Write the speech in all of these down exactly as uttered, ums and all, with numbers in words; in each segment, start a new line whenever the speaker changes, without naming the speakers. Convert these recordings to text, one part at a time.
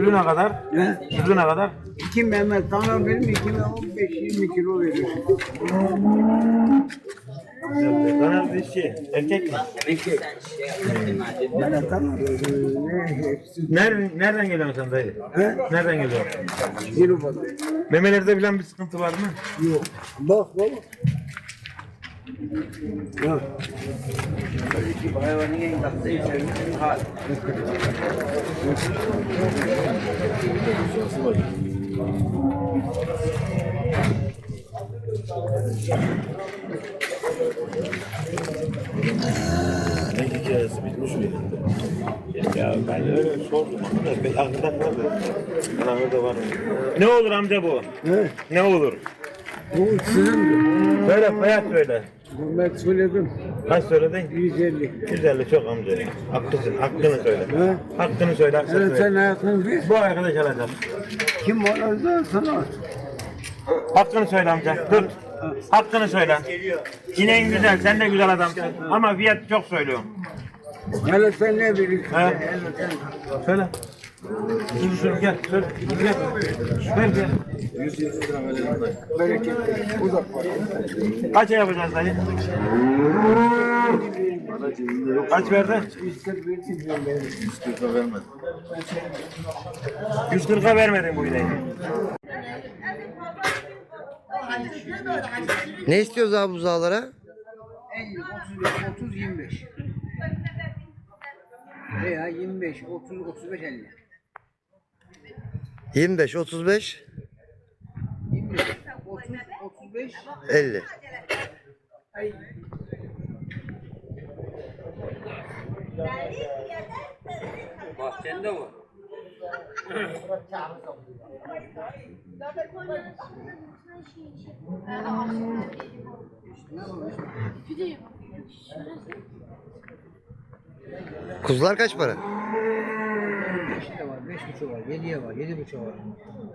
Sütü ne kadar?
He?
Sütü ne kadar?
İki Mehmet Tanrı benim ikime on beş yirmi kilo veriyor.
Dana dişi. Erkek mi?
Erkek. Mehmet Tanrı ne hepsi.
Nereden, nereden geliyorsun sen dayı?
He?
Nereden geliyorsun?
Yürü
Memelerde falan bir sıkıntı var mı?
Yok. Bak baba. Bak. Hayvanın en tatlı içerisi hal.
Ne hikayesi bitmiş mi? Ya ben öyle sordum ama da pek aklımda kalmadı. Bana orada var mı? Ne olur amca bu?
He?
Ne olur?
Bu sizindir.
Söyle hayat söyle.
Ben söyledim.
Kaç söyledin?
yüz elli.
yüz elli çok amca. Haklısın. Hakkını söyle.
He?
Hakkını söyle. Hakkını
Evet sen
söyle.
hayatını bil.
Bu arkadaş alacak.
Kim var orada sana?
Hakkını söyle amca. Tut. Hakkını söyle. İneğin güzel. Sen de güzel adamsın. Ama fiyat çok söylüyorum.
Hele sen ne bilirsin?
He?
Hele sen.
Söyle. Dur şunu gel. Söyle. Gel. Ver gel.
Bereket. Uzak var.
Kaça yapacağız dayı? Kaç verdi?
yüz kırk bir milyon benim.
yüz kırka vermedin bu ineği.
Ne istiyoruz abi buzağlara?
elli, otuz beş, otuz, yirmi beş. Veya yirmi beş, otuz, otuz beş, elli.
yirmi beş, otuz beş,
yirmi beş, otuz, otuz beş,
elli.
Bahçende mi?
Kuzular kaç para?
beş de var, beş buçuk var, yediye var, yedi buçuk var.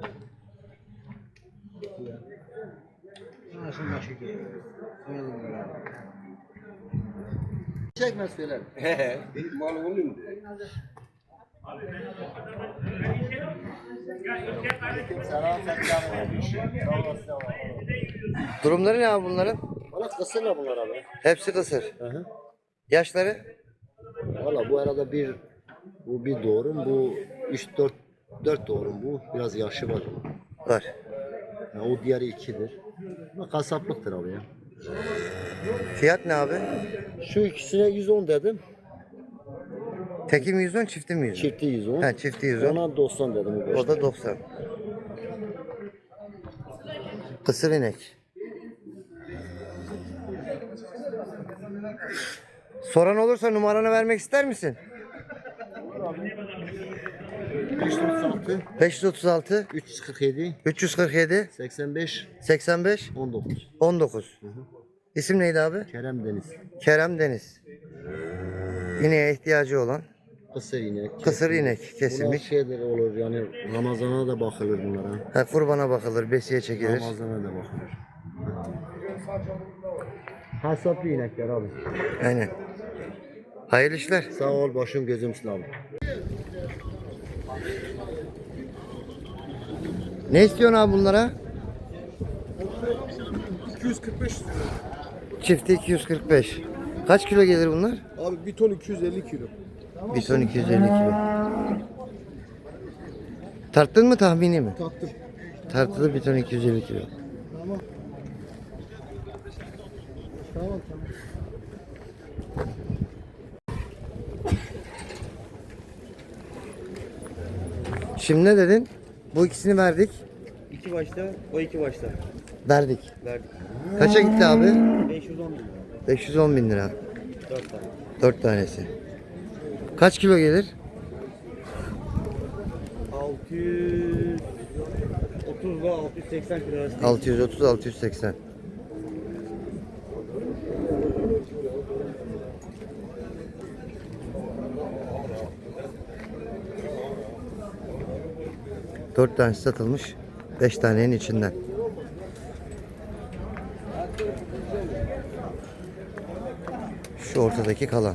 Anasının başı geliyor.
Çekmez söyler. He. Benim mal olayım mu? Selam
Durumları ne abi bunların?
Valla kısırla bunlar abi.
Hepsi kısır.
Hı hı.
Yaşları?
Valla bu arada bir bu bir doğrum, bu üç dört dört doğrum bu. Biraz yaşı var.
Var.
Yani o diğeri ikidir. Ama kasaplıktır abi ya.
Fiyat ne abi?
Şu ikisine yüz on dedim.
Teki mi yüz on, çifti mi yüz on?
Çifti yüz on.
Ha, çifti yüz on.
Ona doksan dedim. O,
O da doksan. Kısır inek. Soran olursa numaranı vermek ister misin?
beş yüz otuz altı,
beş yüz otuz altı,
üç yüz kırk yedi,
üç yüz kırk yedi,
seksen beş,
seksen beş,
on dokuz.
on dokuz. İsim neydi abi?
Kerem Deniz.
Kerem Deniz. İneğe ihtiyacı olan
Kısır inek.
kısır inek
Bunlar
kesilmiş.
şeyler olur yani Ramazan'a da bakılır bunlara.
Ha, kurbana bakılır, besiye çekilir.
Ramazan'a da bakılır. Hasaplı inekler abi.
Aynen. Hayırlı işler.
Sağ ol başım gözüm sağ.
Ne istiyorsun abi bunlara?
iki yüz kırk beş lira.
Çifti iki yüz kırk beş. Kaç kilo gelir bunlar?
Abi bir ton iki yüz elli kilo.
Bir ton iki yüz elli kilo. Tarttın mı tahmini mi?
Tattım.
Tartılı bir ton iki yüz elli kilo.
Tamam. Tamam tamam.
Şimdi ne dedin? Bu ikisini verdik.
İki başta, o iki başta.
Verdik.
Verdik.
Kaça gitti abi?
beş yüz on lira.
beş yüz on bin lira.
Dört tane.
Dört tanesi. Kaç kilo gelir?
altı yüz otuz ile altı yüz seksen kilo arası.
altı yüz otuz altı yüz seksen. Dört tanesi satılmış. Beş tanenin içinden. Şu ortadaki kalan.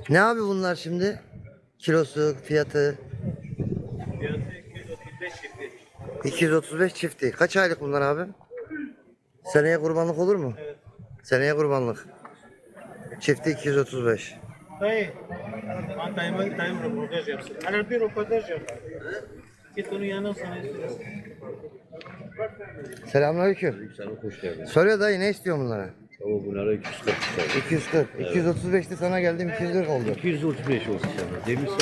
Ne abi bunlar şimdi? Kilosu, fiyatı?
Fiyatı iki yüz otuz beş çifti.
iki yüz otuz beş çifti. Kaç aylık bunlar abi? Seneye kurbanlık olur mu?
Evet.
Seneye kurbanlık. Çifti iki yüz otuz beş.
Dayı. Ben dayıma dayım röportaj yapsın. Hani bir röportaj yap. Git onun yanına sana istiyorsun.
Selamünaleyküm.
Sana hoş geldin.
Soruyor dayı ne istiyor bunlara?
Ama bunlara iki yüz kırk istedim.
iki yüz kırk. iki yüz otuz beşti sana geldim iki yüz kırk oldu.
iki yüz otuz beş olsun sana. Demişsin.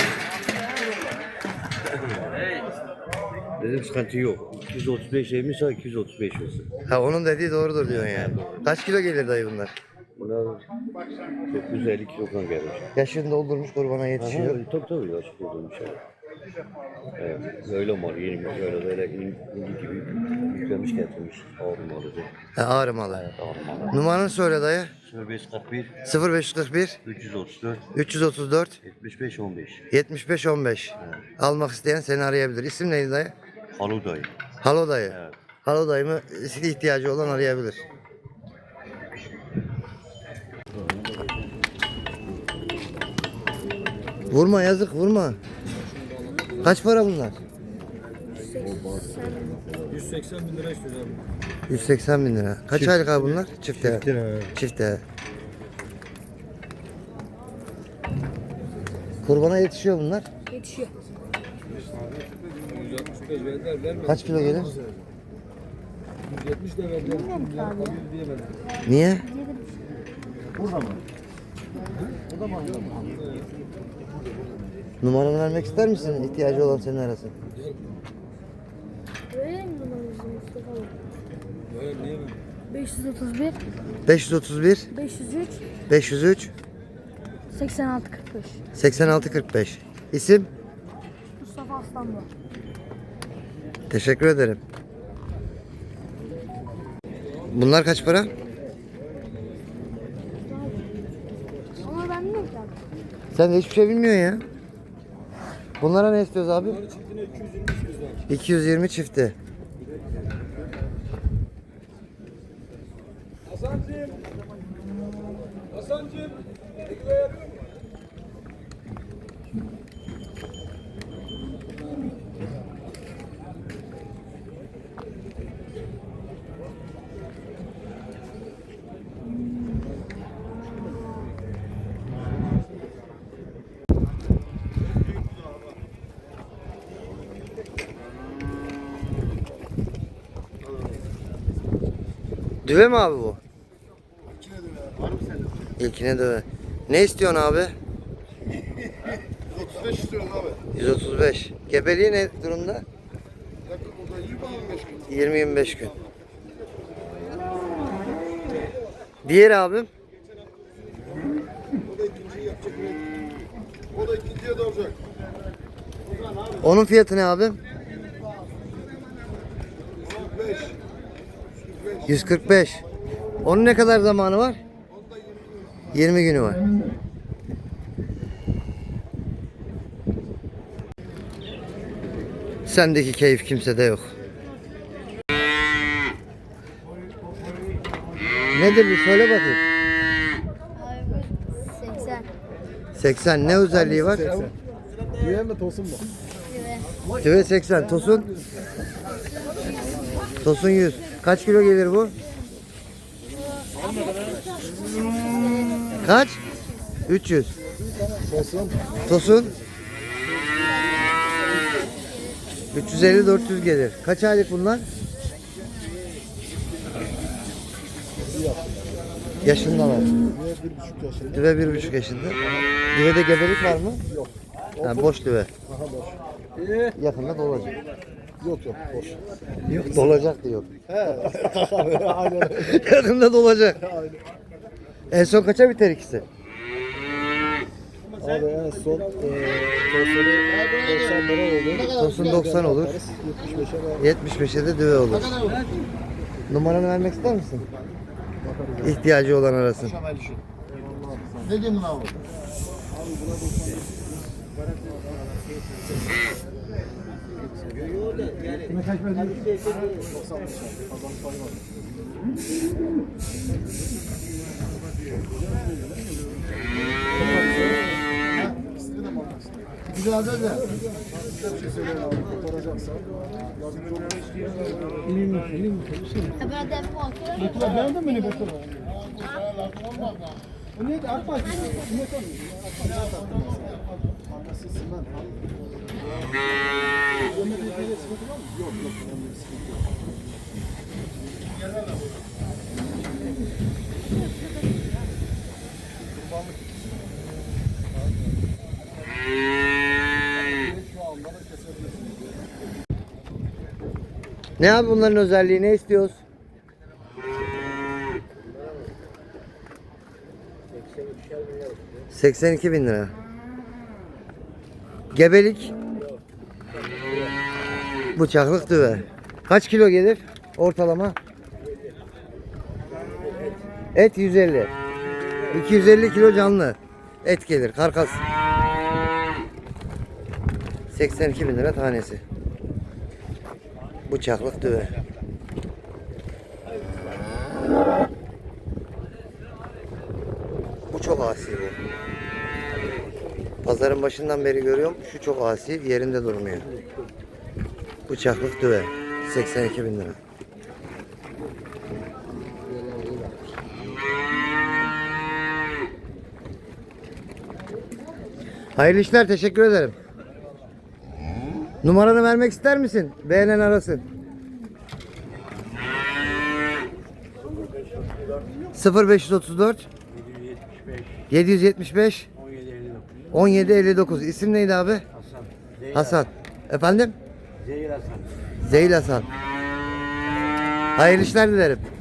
Dedim sıkıntı yok. iki yüz otuz beş demişse iki yüz otuz beş olsun.
Ha onun dediği doğrudur diyorsun yani. Kaç kilo gelir dayı bunlar?
Bunlar dokuz yüz elli kilogram gelir.
Yaşını doldurmuş kurbana yetişiyor.
Aha, tabii tabii yaşlı olduğum şey. Evet, öyle mal, yeni mal, öyle böyle in- indi gibi yüklemiş getirmiş. Ağır malı.
Ha, ağrı malı.
Ağır malı.
Numaranı söyle dayı.
sıfır beş kırk bir
sıfır beş kırk bir
üç yüz otuz dört
üç yüz otuz dört
yetmiş beş on beş.
yetmiş beş on beş. Almak isteyen seni arayabilir. İsim neydi dayı?
Halu dayı.
Halo dayı.
Evet.
Halo dayımı ihtiyacı olan arayabilir. Vurma yazık vurma. Kaç para bunlar?
yüz seksen bin lira istiyoruz abi.
yüz seksen bin lira. Kaç aylık abi bunlar? Çifte. Çifte. Kurbana yetişiyor bunlar.
Yetişiyor.
yüz altmış beş verdiler vermedi.
Kaç kilo gelir?
yüz yetmiş de verdiler.
Bilmiyorum ki abi.
Bir diyemedim.
Niye? Numaranı vermek ister misin? İhtiyacı olan seni arasın.
Öyle mi numaramızı Mustafa abi?
Böyle diyemem.
beş yüz otuz bir,
beş yüz otuz bir
beş yüz üç,
beş yüz üç
seksen altı kırk beş.
seksen altı kırk beş. İsim?
Mustafa Aslanlı.
Teşekkür ederim. Bunlar kaç para?
Ama ben bilmiyorum ki abi.
Sen de hiçbir şey bilmiyorsun ya. Bunlara ne istiyoruz abi?
Çiftine iki yüz yirmi istiyoruz abi.
iki yüz yirmi çifti.
Hasancığım. Hasancığım. Ekmeği yapıyor musun?
Düve mi abi bu? İlkine düve. Ne istiyorsun abi?
yüz otuz beş istiyoruz abi.
yüz otuz beş. Gebeliği ne durumda?
Yakın burada yirmi yirmi beş gün.
yirmi yirmi beş gün. Diğer abim?
O da ikinciyi yapacak. O da ikinciye doğacak.
Onun fiyatı ne abim?
beş.
yüz kırk beş. Onun ne kadar zamanı var? yirmi günü var. Sendeki keyif kimsede yok. Nedir bir söyle bakayım.
Abi seksen.
seksen ne özelliği var?
Güven mi tosun mu?
Tüve seksen. Tosun? Tosun yüz. Kaç kilo gelir bu? Kaç? üç yüz.
Tosun.
Tosun? üç yüz elli dört yüz gelir. Kaç aylık bunlar? Yaşındalar.
Bir buçuk yaşında.
Düve bir buçuk yaşında. Düvede gebelik var mı?
Yok.
Ha, boş düve.
Aha boş. İyi.
Yakında dolacak.
Yok yok boş.
Yok dolacak diyor.
He. Aynen.
Yakında dolacak. En son kaça biter ikisi?
Abi en son e, tosunu doksan lira oldu.
Tosun doksan olur.
yetmiş beşe var.
yetmiş beşe de düve olur. Numaranı vermek ister misin? İhtiyacı olan arasın.
Ne diyeyim abi?
Kaç
Ben de
Beğendin mi ne bakın? O neydi? Arpa.
Ne abi bunların özelliği, ne istiyoruz? seksen iki bin lira. Gebelik. Bıçaklık düve. Kaç kilo gelir ortalama? Et yüz elli. iki yüz elli kilo canlı et gelir, karkas. seksen iki bin lira tanesi. Bıçaklık düve. Bu çok asi bu. Pazarın başından beri görüyorum. Şu çok asi, yerinde durmuyor. Bıçaklık düve. seksen iki bin lira. Hayırlı işler, teşekkür ederim. Numaranı vermek ister misin? Beğenen arasın. sıfır beş otuz dört yedi yüz yetmiş beş on yedi elli dokuz. İsim neydi abi?
Hasan.
Hasan. Efendim?
Zehir Hasan.
Zeyl Hasan. Hayırlı işler dilerim.